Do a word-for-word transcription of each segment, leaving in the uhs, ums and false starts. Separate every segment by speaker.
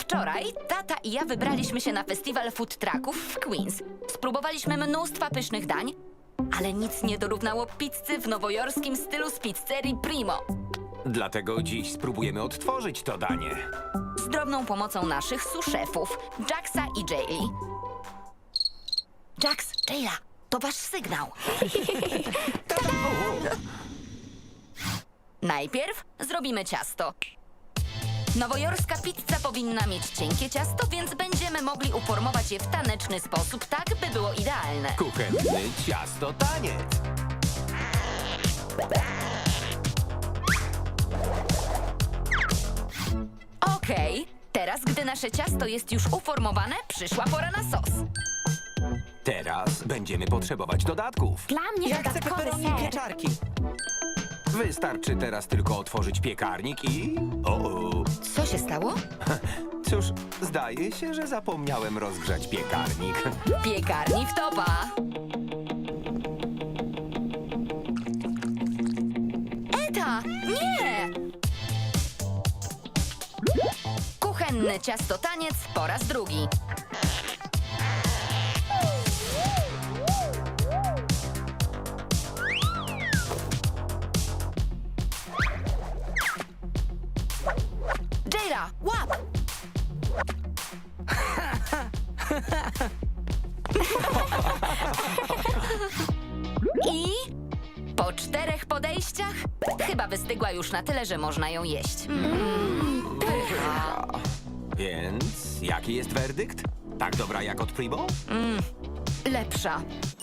Speaker 1: Wczoraj tata i ja wybraliśmy się na festiwal food trucków w Queens. Spróbowaliśmy mnóstwa pysznych dań, ale nic nie dorównało pizzy w nowojorskim stylu z pizzerii Primo.
Speaker 2: Dlatego dziś spróbujemy odtworzyć to danie.
Speaker 1: Z drobną pomocą naszych sous-szefów, Jacksa i Jayli. Jax, Jayla, to wasz sygnał. Najpierw zrobimy ciasto. Nowojorska pizza powinna mieć cienkie ciasto, więc będziemy mogli uformować je w taneczny sposób, tak by było idealne.
Speaker 2: Kuchenny ciasto taniec.
Speaker 1: Okej, teraz gdy nasze ciasto jest już uformowane, przyszła pora na sos.
Speaker 2: Teraz będziemy potrzebować dodatków.
Speaker 3: Dla mnie
Speaker 4: Ja chcę
Speaker 3: dodatkowy
Speaker 4: peperoni i
Speaker 3: ser.
Speaker 4: pieczarki.
Speaker 2: Wystarczy teraz tylko otworzyć piekarnik i... O,
Speaker 1: Co się stało?
Speaker 2: cóż, zdaje się, że zapomniałem rozgrzać piekarnik.
Speaker 1: Piekarni w topa. Eta, nie! Kuchenny ciasto taniec po raz drugi. Jayla, łap! I po czterech podejściach chyba wystygła już na tyle, że można ją jeść.
Speaker 2: Więc jaki jest werdykt? Tak dobra jak od Primo?
Speaker 1: Lepsza.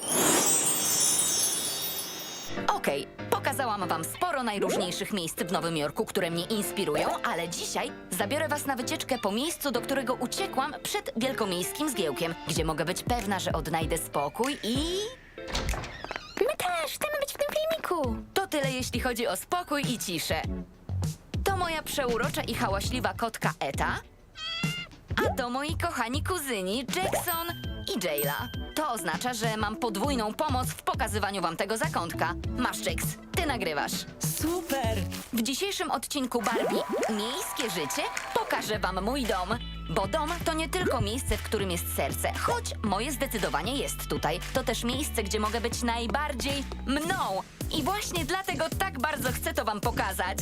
Speaker 1: Okej, pokazałam wam sporo najróżniejszych miejsc w Nowym Jorku, które mnie inspirują, ale dzisiaj zabiorę was na wycieczkę po miejscu, do którego uciekłam przed wielkomiejskim zgiełkiem, gdzie mogę być pewna, że odnajdę spokój i...
Speaker 3: My też chcemy być w tym filmiku.
Speaker 1: To tyle, jeśli chodzi o spokój i ciszę. To moja przeurocza i hałaśliwa kotka Eta, a to moi kochani kuzyni Jackson i Jayla. To oznacza, że mam podwójną pomoc w pokazywaniu wam tego zakątka. Masz, Jax, ty nagrywasz.
Speaker 4: Super!
Speaker 1: W dzisiejszym odcinku Barbie Miejskie życie pokażę wam mój dom. Bo dom to nie tylko miejsce, w którym jest serce, choć moje zdecydowanie jest tutaj. To też miejsce, gdzie mogę być najbardziej mną. I właśnie dlatego tak bardzo chcę to wam pokazać.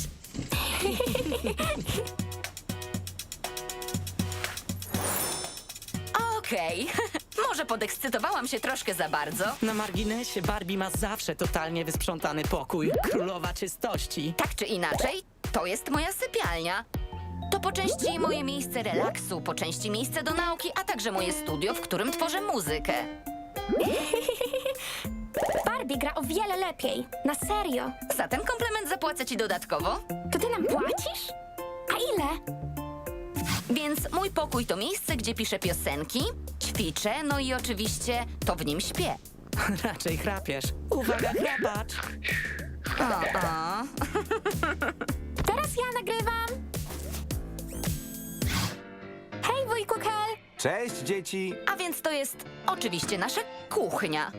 Speaker 1: Okej, może podekscytowałam się troszkę za bardzo.
Speaker 4: Na marginesie Barbie ma zawsze totalnie wysprzątany pokój. Królowa czystości.
Speaker 1: Tak czy inaczej, to jest moja sypialnia. To po części moje miejsce relaksu, po części miejsce do nauki, a także moje studio, w którym tworzę muzykę.
Speaker 3: Barbie gra o wiele lepiej. Na serio.
Speaker 1: Za ten komplement zapłacę ci dodatkowo.
Speaker 3: To ty nam płacisz? A ile?
Speaker 1: Więc mój pokój to miejsce, gdzie piszę piosenki, ćwiczę, no i oczywiście to w nim śpię.
Speaker 4: Raczej chrapiesz. Uwaga, chrapacz!
Speaker 1: O, o.
Speaker 3: Teraz ja nagrywam. Hej, wujku Kel.
Speaker 2: Cześć, dzieci!
Speaker 1: A więc to jest oczywiście nasza kuchnia.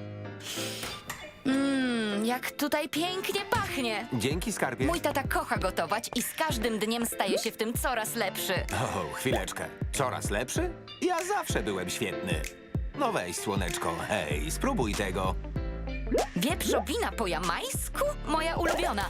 Speaker 1: Mmm, jak tutaj pięknie pachnie.
Speaker 2: Dzięki, skarbie.
Speaker 1: Mój tata kocha gotować i z każdym dniem staje się w tym coraz lepszy.
Speaker 2: O, chwileczkę. Coraz lepszy? Ja zawsze byłem świetny. No weź, słoneczko, hej, spróbuj tego.
Speaker 1: Wieprzowina po jamańsku? Moja ulubiona.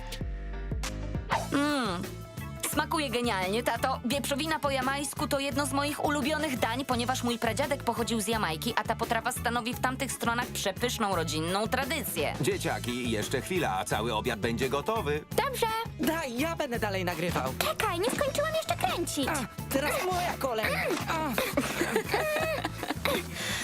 Speaker 1: Mmm, smakuje genialnie, tato. Wieprzowina po jamańsku to jedno z moich ulubionych dań, ponieważ mój pradziadek pochodził z Jamajki, a ta potrawa stanowi w tamtych stronach przepyszną rodzinną tradycję.
Speaker 2: Dzieciaki, jeszcze chwila, a cały obiad będzie gotowy.
Speaker 3: Dobrze.
Speaker 4: Daj, ja będę dalej nagrywał.
Speaker 3: Czekaj, nie skończyłam jeszcze kręcić.
Speaker 4: A, teraz moja kolej. A,